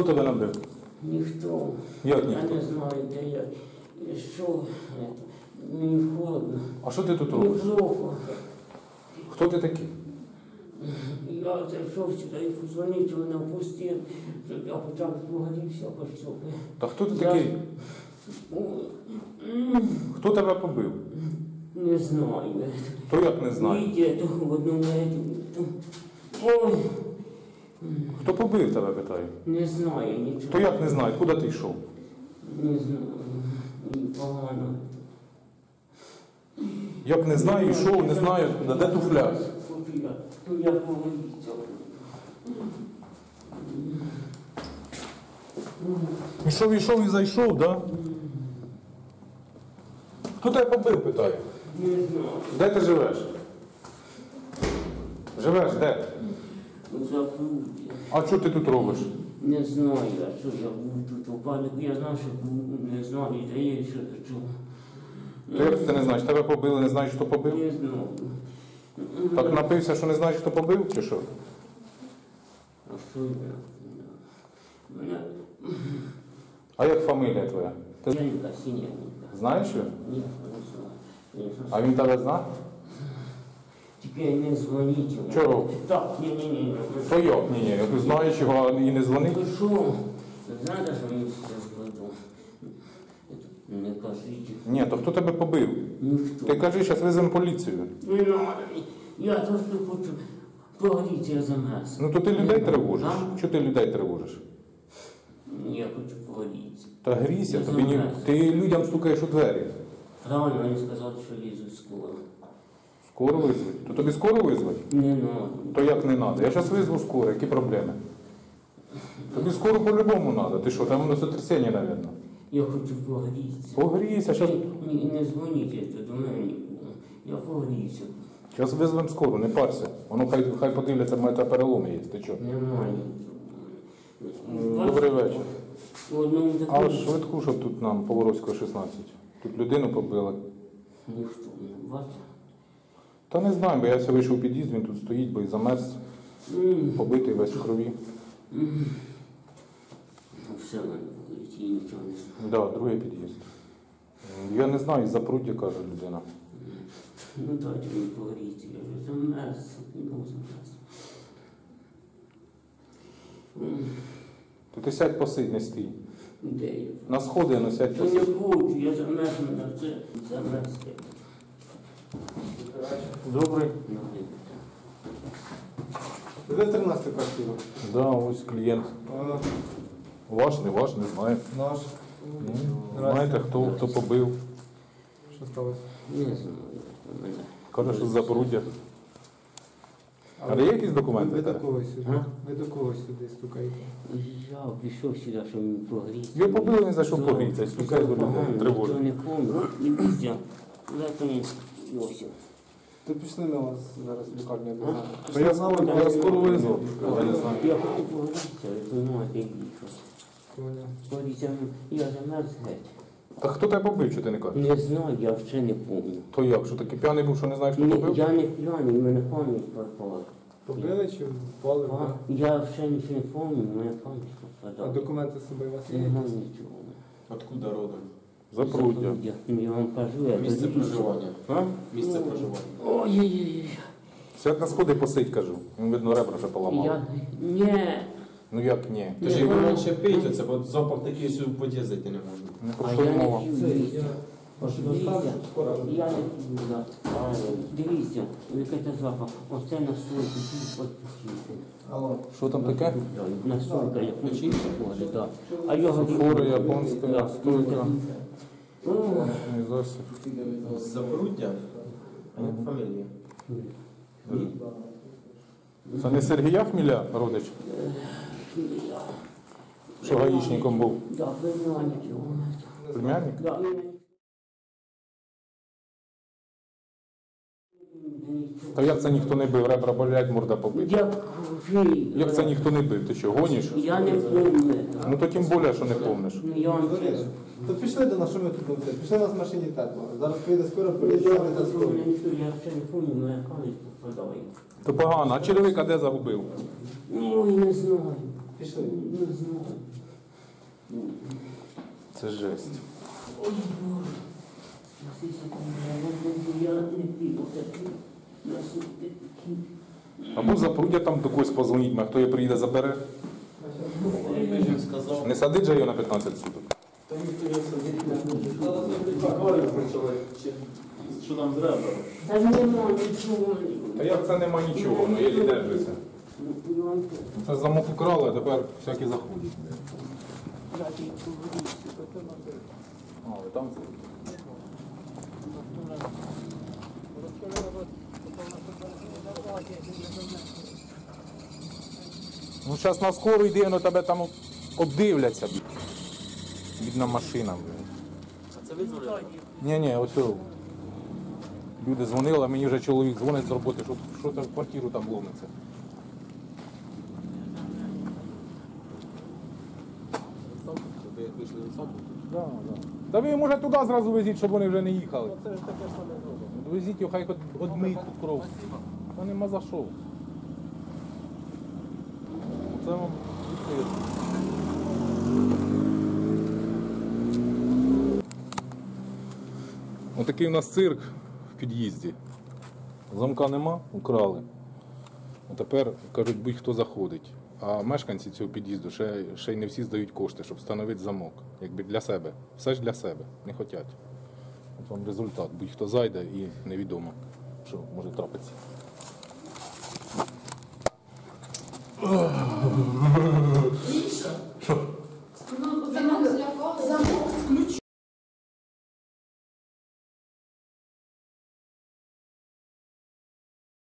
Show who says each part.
Speaker 1: Хто тебе набив?
Speaker 2: Ніхто.
Speaker 1: Як ніхто?
Speaker 2: Я не знаю, де я. Що? Мені холодно.
Speaker 1: А що ти тут
Speaker 2: Мені
Speaker 1: робиш?
Speaker 2: плохо.
Speaker 1: Хто ти такий?
Speaker 2: Я зайшов сюди і позвонив, вона впустив, щоб я почав погорівся, пішов.
Speaker 1: Та хто ти такий? Хто тебе побив?
Speaker 2: Не знаю.
Speaker 1: То як не знаю?
Speaker 2: Йде в одному. Ой,
Speaker 1: Хто побив тебе, питаю?
Speaker 2: не знаю нічого.
Speaker 1: То як не знаю? Куди ти йшов?
Speaker 2: Не знаю. Мені погано.
Speaker 1: Як не знаю, йшов, не знаю, куди, де туфля?
Speaker 2: Я поговориться.
Speaker 1: Ішов і зайшов, да? Хто тебе побив, питаю?
Speaker 2: Не знаю.
Speaker 1: Де ти живеш? Живеш де?
Speaker 2: Забув.
Speaker 1: А що ти тут робиш?
Speaker 2: Не знаю, а що я був тут у панику. Я знав, що був, не знаю, де я що чув.
Speaker 1: То як ти не знаєш? Тебе побили, не знаєш, хто побив?
Speaker 2: Не знаю.
Speaker 1: Так напився, що не знаєш, хто побив, чи що?
Speaker 2: А що я? Мене...
Speaker 1: А як фамілія твоя? Ти
Speaker 2: Синенька, синенька.
Speaker 1: знаєш його?
Speaker 2: Ні, не знаю.
Speaker 1: А він тебе знає?
Speaker 2: Тепер не дзвоніть йому.
Speaker 1: Чого?
Speaker 2: Так, ні.
Speaker 1: То як? Ні, ти знаєш його і не дзвонив?
Speaker 2: Ви що? Знаєте, що мені все складу? Не кажіть.
Speaker 1: Ні, то хто тебе побив?
Speaker 2: Ніхто.
Speaker 1: Ти кажи, зараз визовемо поліцію.
Speaker 2: Не надо. Я трошки хочу поговорити, я замерз.
Speaker 1: Ну то ти людей тривожиш.
Speaker 2: А?
Speaker 1: Чого ти людей тривожиш?
Speaker 2: Я хочу поговорити.
Speaker 1: Та грійся,
Speaker 2: Я
Speaker 1: тобі ні...
Speaker 2: замерз.
Speaker 1: ти людям стукаєш у двері.
Speaker 2: Правильно, вони сказали, що лізуть з колом.
Speaker 1: Скоро визвать. То тобі скоро визвать?
Speaker 2: Не надо.
Speaker 1: То як не треба? Я зараз визву скоро, які проблеми? Тобі скоро по-любому треба. Ти що, там воно сотрясіння, мабуть.
Speaker 2: Я хочу поговорити.
Speaker 1: Погрійся, зараз...
Speaker 2: Не дзвоніть до мене нікому. Я поговорюся.
Speaker 1: Зараз визвемо скоро, не парся. Воно хай подивляться, мене переломи є. Ти що?
Speaker 2: Немає.
Speaker 1: Добрий вечір.
Speaker 2: В одному
Speaker 1: А
Speaker 2: такому...
Speaker 1: швидку, щоб тут нам Поворозького 16. Тут людину побили.
Speaker 2: Ніхто не бачив.
Speaker 1: Та не знаю, бо я все вийшов у під'їзд, він тут стоїть, бо і замерз, побитий весь в крові.
Speaker 2: Ну, все, мене говорить, я нічого не знаю.
Speaker 1: Так, да, другий під'їзд. Я не знаю, із Запруддя, каже людина.
Speaker 2: Ну, дайте мені поговорити, я вже замерз, не замерз.
Speaker 1: То ти сядь посидь, не стій.
Speaker 2: Де я?
Speaker 1: На сходи, ну сядь
Speaker 2: Та не
Speaker 1: посидь.
Speaker 2: хочу, я замерз, мене це замерз.
Speaker 1: Добрий.
Speaker 3: Де 13 квартиру?
Speaker 1: Да, ось клієнт. Ваш, не знаю.
Speaker 3: Наш.
Speaker 1: Знаєте, хто побив.
Speaker 3: Що сталося?
Speaker 2: Не знаю, мене.
Speaker 1: Каже, що з Запоруддя. Але є якісь документи?
Speaker 3: Ви
Speaker 1: в тебе?
Speaker 3: до кого сюди?
Speaker 2: А?
Speaker 3: Ви до кого сюди стукаєте?
Speaker 2: Я пішов сюди, щоб мені погріти.
Speaker 1: Його побили, він зайшов погрітися, стукає до людей, тривожить.
Speaker 2: Я не помню, не піздя. Зато Йосиф.
Speaker 3: То пішли ми вас зараз в лікарню одразу.
Speaker 1: То я знав, я скоро визвав. Я не знаю.
Speaker 2: Я хочу погрітися, ви розумієте, як їхав.
Speaker 3: Поняв.
Speaker 2: Погрітися, я замерз геть.
Speaker 1: Та хто тебе побив, що ти не кажеш?
Speaker 2: Не знаю, я вже не помню.
Speaker 1: То як, що такий п'яний був, що не знаєш, хто
Speaker 2: Ні,
Speaker 1: побив?
Speaker 2: я не п'яний, мене пам'ять пропала.
Speaker 3: Побили чи впали?
Speaker 2: Я вже нічого не пам'ятаю, мене пам'ять
Speaker 3: А
Speaker 2: пропадала.
Speaker 3: документи з собою у вас є?
Speaker 2: Нема нічого.
Speaker 4: Откуда родом?
Speaker 1: Запруддя.
Speaker 2: Я вам кажу, я
Speaker 4: Місце
Speaker 2: тоді-
Speaker 4: проживання.
Speaker 2: А?
Speaker 4: Місце проживання.
Speaker 2: Ой-ой-ой.
Speaker 1: Сядь на сходи, посидь, кажу. Він, видно, ребра вже поламав.
Speaker 2: Я... Ні.
Speaker 1: Ну як ні?
Speaker 4: Ти ж його менше пийте, це бо запах такий, що в под'їзд зайти не можна.
Speaker 1: Не про
Speaker 2: А
Speaker 1: що
Speaker 2: я не
Speaker 1: мова.
Speaker 2: п'ю.
Speaker 3: Це
Speaker 2: дивіться.
Speaker 3: я вашу доставку скоро.
Speaker 2: Я не п'ю, да. Дивіться, який це запах. Оце настойка, підпустити.
Speaker 3: Алло.
Speaker 1: Що там таке?
Speaker 2: Настойка, як ключі ходить, так. А його...
Speaker 1: Фура японська, настойка.
Speaker 2: О,
Speaker 1: І засіб.
Speaker 4: З Запоруддя? А як фамілія?
Speaker 1: Це не Сергія Хміля, родич? Що гаїчником був?
Speaker 2: да, племянник його.
Speaker 1: Племянник?
Speaker 2: Да.
Speaker 1: Та як це ніхто не бив? Ребра болять, морда побита. Як це ніхто не бив? Ти що, гониш?
Speaker 2: Я не помню.
Speaker 1: Ну то тим більше, що не помниш.
Speaker 2: Ну, я вам
Speaker 3: Зоріш,
Speaker 2: чесно.
Speaker 3: то пішли до нас, що ми тут робили? Пішли у нас в машині тепло. Зараз приїде скоро,
Speaker 2: Я
Speaker 3: приїде та скоро.
Speaker 2: ще не помню, моя пам'ять попадає.
Speaker 1: То погано. А черевика де загубив?
Speaker 2: Ой, не знаю.
Speaker 3: Пішли.
Speaker 2: Не знаю.
Speaker 1: Це жесть.
Speaker 2: Ой, Боже. Я не піду такий. Насипки такі.
Speaker 1: Або запрудя там до когось позвоніть, а хто її приїде забере.
Speaker 4: Він сказав.
Speaker 1: Не садить же його на 15 суток.
Speaker 3: Та ніхто не сидить, не буде.
Speaker 4: Акваріум почали. Що там зря?
Speaker 2: Та нема нічого.
Speaker 1: Та як це нема нічого, ну єлі держиться.
Speaker 2: Ну, понимаєте,
Speaker 1: Це замок украли, а тепер всякі заходять.
Speaker 2: дати поговорити.
Speaker 1: А, ви там? Ну зараз на скору йди, ну тебе там обдивляться. Бідна машина.
Speaker 4: А це ви дзвонили?
Speaker 1: Ні, ось о. Люди дзвонили, а мені вже чоловік дзвонить з роботи, що там в квартиру там ломиться.
Speaker 4: Ви як вийшли від саду?
Speaker 1: Да. Та ви може туди зразу везіть, щоб вони вже не їхали.
Speaker 3: Це ж таке саме зробимо.
Speaker 1: Везіть його, хай одмиють тут кров. Та нема за що. Це вам відкрито. Отакий у нас цирк в під'їзді. Замка нема, украли. А тепер, кажуть, будь-хто заходить. А мешканці цього під'їзду ще й не всі здають кошти, щоб встановити замок. Якби для себе. Все ж для себе. Не хочуть. От вам результат. Будь-хто зайде і невідомо, що може трапитися.